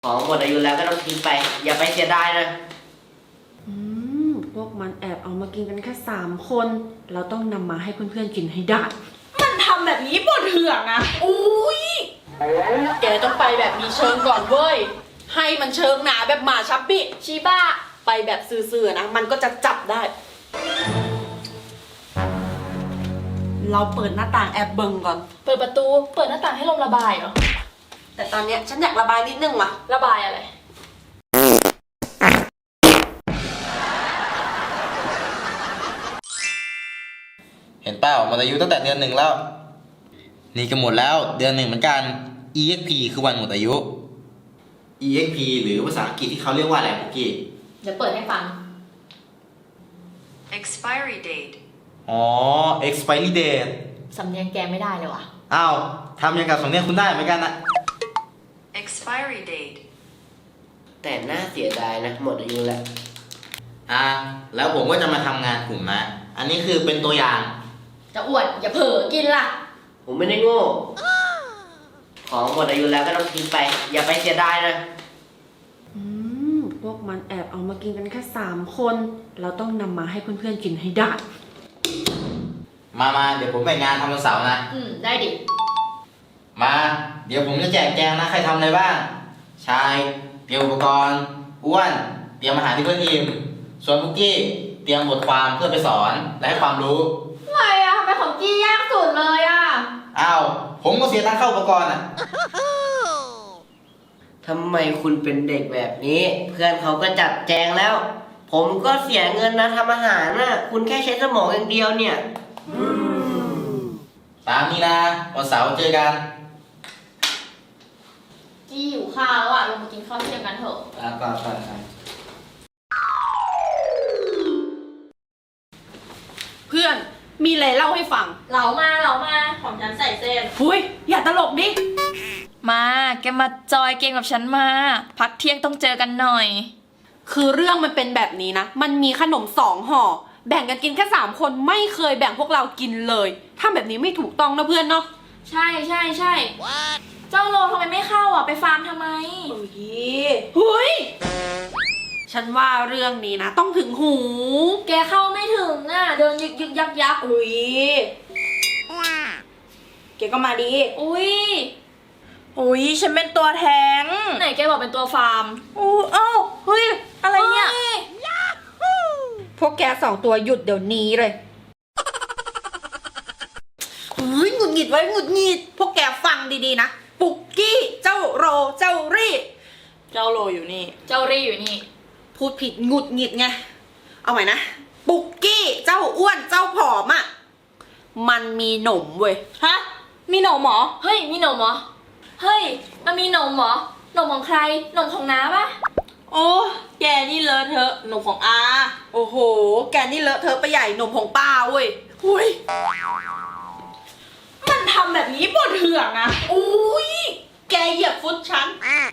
ของหมดอายุแล้วก็ต้องทิ้งไปอย่าไปเสียดายนะพวกมันแอบเอามากินกันแค่3 คนเราต้องนำมาให้เพื่อนๆกินให้ได้มันทำแบบนี้ปวดเหือกนะอุ้ยแกต้องไปแบบมีเชิงก่อนเว้ยให้มันเชิงหนาแบบหมาชับบิชิบ้าไปแบบซื่อๆนะมันก็จะจับได้เราเปิดหน้าต่างแอบเบิงก่อนเปิดประตูเปิดหน้าต่างให้ลมระบายเหรอแต่ตอนเนี้ยฉันอยากระบายนิดนึงว่ะระบายอะไรเห็นเปล่าหมดอายุตั้งแต่เดือน 1แล้วนี่ก็หมดแล้วเดือน 1เหมือนกัน EXP คือวันหมดอายุ EXP หรือภาษาอังกฤษที่เขาเรียกว่าอะไรปุกกี้เดี๋ยวเปิดให้ฟัง expiry date อ๋อ expiry date สำเนียงแกไม่ได้เลยว่ะอ้าวทำอย่างกับสำเนียงคุณได้เหมือนกันนะ expiry date แต่น่าเสียดายนะหมดอายุแล้วแล้วผมก็จะมาทำงานกลุ่มนะอันนี้คือเป็นตัวอย่างจะอวดอย่าเผลอกินล่ะผมไม่ได้โง่ของหมดอายุแล้วก็ต้องทิ้งไปอย่าไปเสียดายนะพวกมันแอบเอามากินกันแค่3 คนเราต้องนำมาให้เพื่อนๆกินให้ได้มาเดี๋ยวผมแบ่งงานทำวันเสาร์นะได้ดิมาเดี๋ยวผมจะแจกแจงนะใครทำอะไรบ้างชายเตรียมอุปกรณ์อ้วนเตรียมอาหารที่เพื่อนอิ่มส่วนพุกกี้เตรียมบทความเพื่อไปสอนและให้ความรู้อะไรอะทำไมของกี้ยากสุดเลยอะผมก็เสียตังค์เข้าอุปกรณ์ทำไมคุณเป็นเด็กแบบนี้เพื่อนเขาก็จัดแจงแล้วผมก็เสียเงินนะทำอาหารนะคุณแค่ใช้สมองอย่างเดียวเนี่ยตามนี้นะวันเสาร์เจอกันกี้หิวข้าวแล้วอะลงมากินข้าวเที่ยงกันเถอะไปเพื่อนมีอะไรเล่าให้ฟังเหลามาของฉันใส่เส้นหุยอย่าตลกดิมาแกมาจอยเกมกับฉันมาพักเที่ยงต้องเจอกันหน่อยคือเรื่องมันเป็นแบบนี้นะมันมีขนม2 ห่อแบ่งกันกินแค่3 คนไม่เคยแบ่งพวกเรากินเลยถ้าแบบนี้ไม่ถูกต้องนะเพื่อนเนาะใช่เจ้าโลทำไมไม่เข้าอ่ะไปฟาร์มทำไมหุยฉันว่าเรื่องนี้นะต้องถึงหูแกเข้าไม่ถึงอ่ะเดินยึกยักอุ้ยแกก็มาดีอุ้ยฉันเป็นตัวแทงไหนแกบอกเป็นตัวฟาร์มเฮ้ยอะไรเนี่ยพวกแก2 ตัวหยุดเดี๋ยวนี้เลยหงุดหงิดไว้หงุดหงิดพวกแกฟังดีๆนะปุกกี้เจ้าโรเจ้ารี่เจ้าโรอยู่นี่เจ้ารี่อยู่นี่พูดผิดหงุดหงิดไงเอาใหม่นะปุกกี้เจ้าอ้วนเจ้าผอมอ่ะมันมีหนมเว้ยฮะมีหนมเหรอเฮ้ยมีหนมเหรอเฮ้ยมันมีหนมเหรอหนมของใครหนมของน้าปะโอ้แกนี่เลอะเทอะหนมของอาโอ้โหแกนี่เลอะเทอะไปใหญ่หนมของป้าเว้ยหุยมันทำแบบนี้ปวดเหือกนะอุ้ยแกเหยียบฟุตฉัน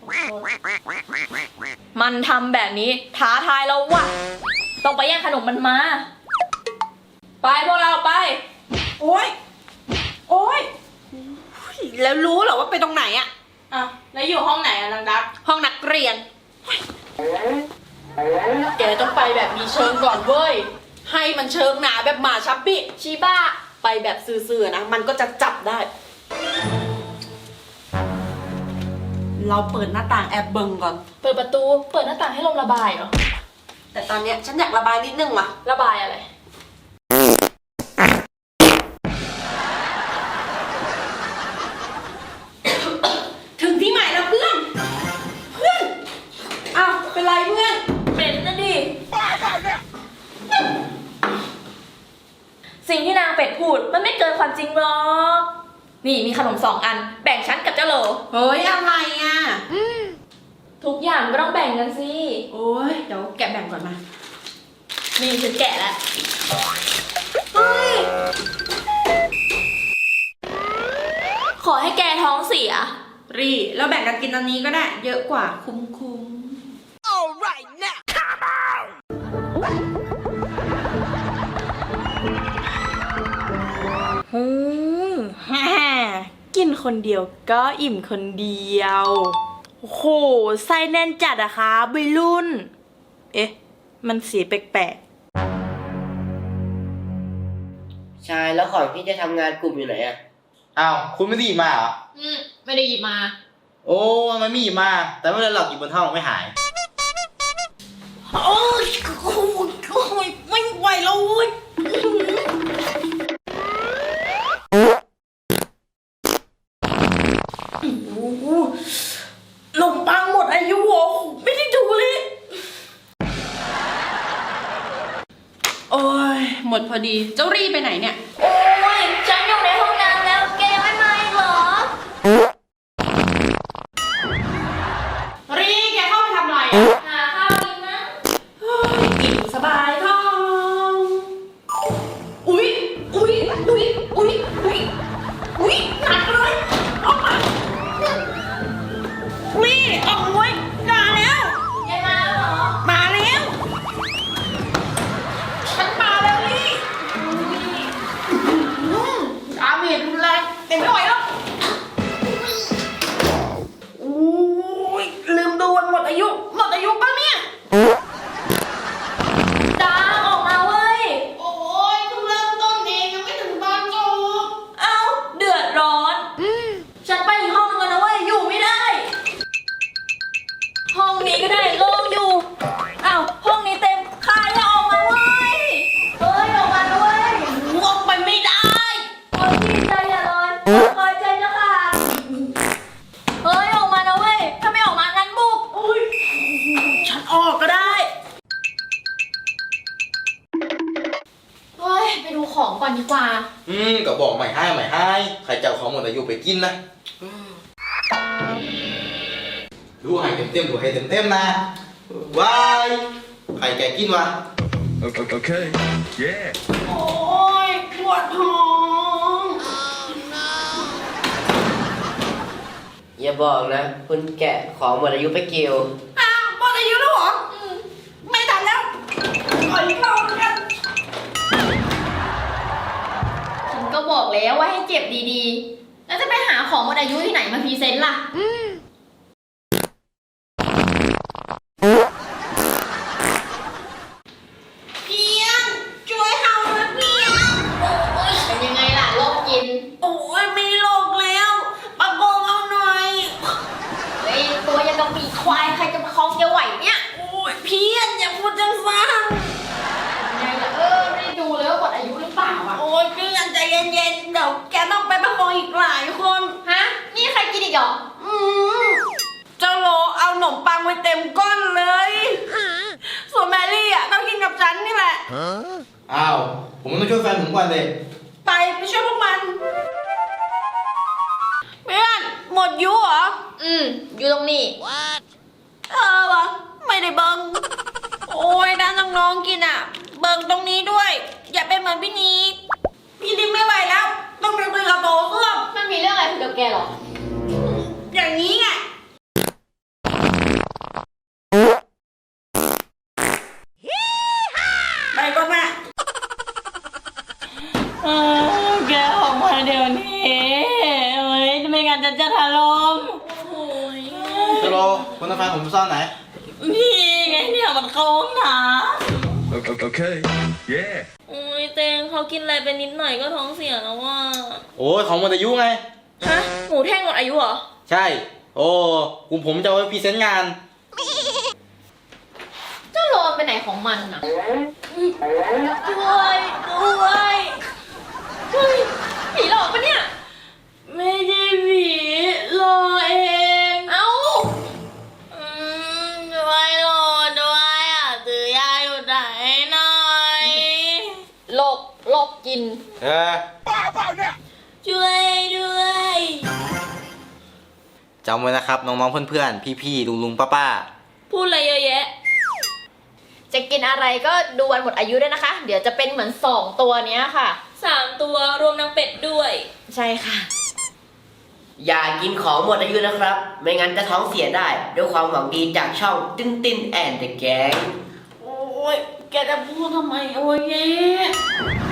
มันทำแบบนี้ท้าทายเราว่ะต้องไปแย่งขนมมันมาไปพวกเราไปโอ้ยแล้วรู้เหรอว่าไปตรงไหนอ่ะแล้วอยู่ห้องไหนอะนางดักห้องนักเรียนแกต้องไปแบบมีเชิงก่อนเว้ยให้มันเชิงหนาแบบหมาชับบิชิบ้าไปแบบซื่อๆนะมันก็จะจับได้เราเปิดหน้าต่างแอบเบิงก่อนเปิดประตูเปิดหน้าต่างให้ลมระบายเหรอแต่ตอนเนี้ยฉันอยากระบายนิดนึงว่ะระบายอะไรถึงที่ใหม่แล้วเพื่อนเป็นไรเพื่อนเป็นนะดิสิ่งที่นางเป็ดพูดมันไม่เกินความจริงหรอกนี่มีขนม2 อันแบ่งฉันกับเจ้าโหลเฮ้ยอะไรอ่ะทุกอย่างก็ต้องแบ่งกันสิโอ้ยเดี๋ยวแกะแบ่งก่อนมานี่ฉันแกะแล้วขอให้แกท้องเสียรีแล้วแบ่งกันกินตอนนี้ก็ได้เยอะกว่าคุ้ม Alright now come on กินคนเดียวก็อิ่มคนเดียวโอ้โหไส้แน่นจัดอะคะวัยรุ่น เอ๊ะ มันสีแปลกชายแล้วของพี่จะทำงานกลุ่มอยู่ไหนอะอ้าว คุณไม่ได้หยิบมาเหรอไม่ได้หยิบมาโอ้มันไม่หยิบมา แต่ไม่เป็นไรหรอกหยิบบนห้องไม่หายๆ โอ้ยโอ้ยไม่ไหวแล้วเว้ยโอ้โหขนมปังหมดอายุเหรอไม่ได้ดูเลย โอ้ย หมดพอดี เจ้ารีไปไหนเนี่ยโอ้ยฉันอยู่ในห้องน้ำแล้วแกยังไม่มาอีกเหรอรีแกเข้าไปทำอะไรอ่ะหาข้าวกินนะเฮ้ยอิ่มสบายท้อง อุ๊ย อุ๊ย อุ๊ย อุ๊ย อุ๊ย อุ๊ยหนักเลยออกมารีออกไว้มาแล้วแกมาแล้วเหรอมาแล้ว ฉันมาแล้วรีดาเมจรุนแรงเต็มไม่ไหวแล้วโอ้ยลืมดูวันหมดอายุ หมดอายุป่ะเนี่ยดาออกมาเว้ยโอ้ยเพิ่งเริ่มต้นเองยังไม่ถึงตอนจบเอ้า เดือดร้อน ฉันไปอีกห้องนึงแล้วนะเว้ย อยู่ไม่ได้ ห้องนี้ก็ได้โล่งอยู่ อ้าว ห้องนี้เต็มใครออกมาเว้ย เฮ้ย ออกมาเว้ยวงไปไม่ได้เฮ้ยพี่ใจอย่าร้อนคอยใจจะขาดเฮ้ย ออกมานะเว้ย ถ้าไม่ออกมางั้นบุกโอ้ยฉันออกก็ได้เฮ้ย ไปดูของก่อนดีกว่าก็บอกใหม่ให้ใหม่ให้ ใครจะเอาของหมดอายุไปกินนะดูให้เต็มๆดูให้เต็มๆนะว้ายใครแกกินวะ Okay. Yeah. โอ้ยปวดท้องอย่าบอกนะ คุณแกะของหมดอายุไปเกี่ยวอ้าวหมดอายุแล้วเหรอไม่ทันแล้วขออีกรอบกันฉันก็บอกแล้วว่าให้เก็บดีๆ แล้วจะไปหาของหมดอายุที่ไหนมาพรีเซนต์ล่ะเพียงช่วยเฮาหน่อยเพียงเป็นยังไงล่ะโรคกินโอ้ยไม่โลกแล้วประโกงเอาหน่อยเฮ้ย ตัวยังกับปีกควาย ใครจะมาคล้องแกไหวเนี่ยโอ้ยเพียงอย่าพูดจังฟังยังไงล่ะไม่ได้ดูเลยว่าหมดอายุหรือเปล่าอ่ะโอ้ยเพื่อนใจเย็นๆเดี๋ยวแกต้องไปประคองอีกหลายคนฮะ นี่ใครกินอีกเหรออืมเจ้าโลเอาขนมปังไปเต็มก้อนเลย ส่วนแมรี่อ่ะต้องกินกับฉันนี่แหละอ้าว ผมต้องช่วยแฟนผมก่อนเลยไปช่วยพวกมัน เพื่อนหมดยุเหรออยู่ตรงนี้วะไม่ได้เบิงโอ้ยด้านน้องๆกินอ่ะ เบิงตรงนี้ด้วย อย่าเป็นเหมือนพี่นีพี่นิกไม่ไหวแล้ว ต้องไปคุยกับโตเอื้อมมันมีเรื่องอะไรผิดกับแกเหรออย่างนี้ไงไปก่อนนะแกออกมาเดี๋ยวนี้เฮ้ยไม่งั้นจะถล่มเจโรคุณเอาแฟนผมไปซ่อนไหนนี่ไงเนี่ยมันเข้าห้องน้ Okay. Yeah. ำอุ้ยเตงเขากินอะไรไปนิดหน่อยก็ท้องเสียแล้วว่าโอ้ยของหมดอายุไงฮะ หมูแท่งหมดอายุเหรอใช่ โอ้กลุ่มผมจะเอาไว้พรีเซนต์งานเจ้าโลนไปไหนของมันอ่ะด้วยเฮ้ย ผีหลอกปะเนี่ยไม่ใช่ผีรอเองเอ้าด้วยรอด้วยอ่ะซื้อยาอยู่ไหนหน่อยโลกกินช่วยด้วยจำไว้นะครับน้องๆเพื่อนๆพี่ๆลุงๆป้าพูดอะไรเยอะแยะจะกินอะไรก็ดูวันหมดอายุด้วยนะคะ เดี๋ยวจะเป็นเหมือน2ตัวเนี้ยค่ะ 3 ตัวรวมนางเป็ดด้วยใช่ค่ะอย่ากินของหมดอายุนะครับ ไม่งั้นจะท้องเสียได้ ด้วยความหวังดีจากช่องติ้นติ้นแอนด์เดอะแก๊งโอ้ยแกจะพูดทำไมโอ้ยแย่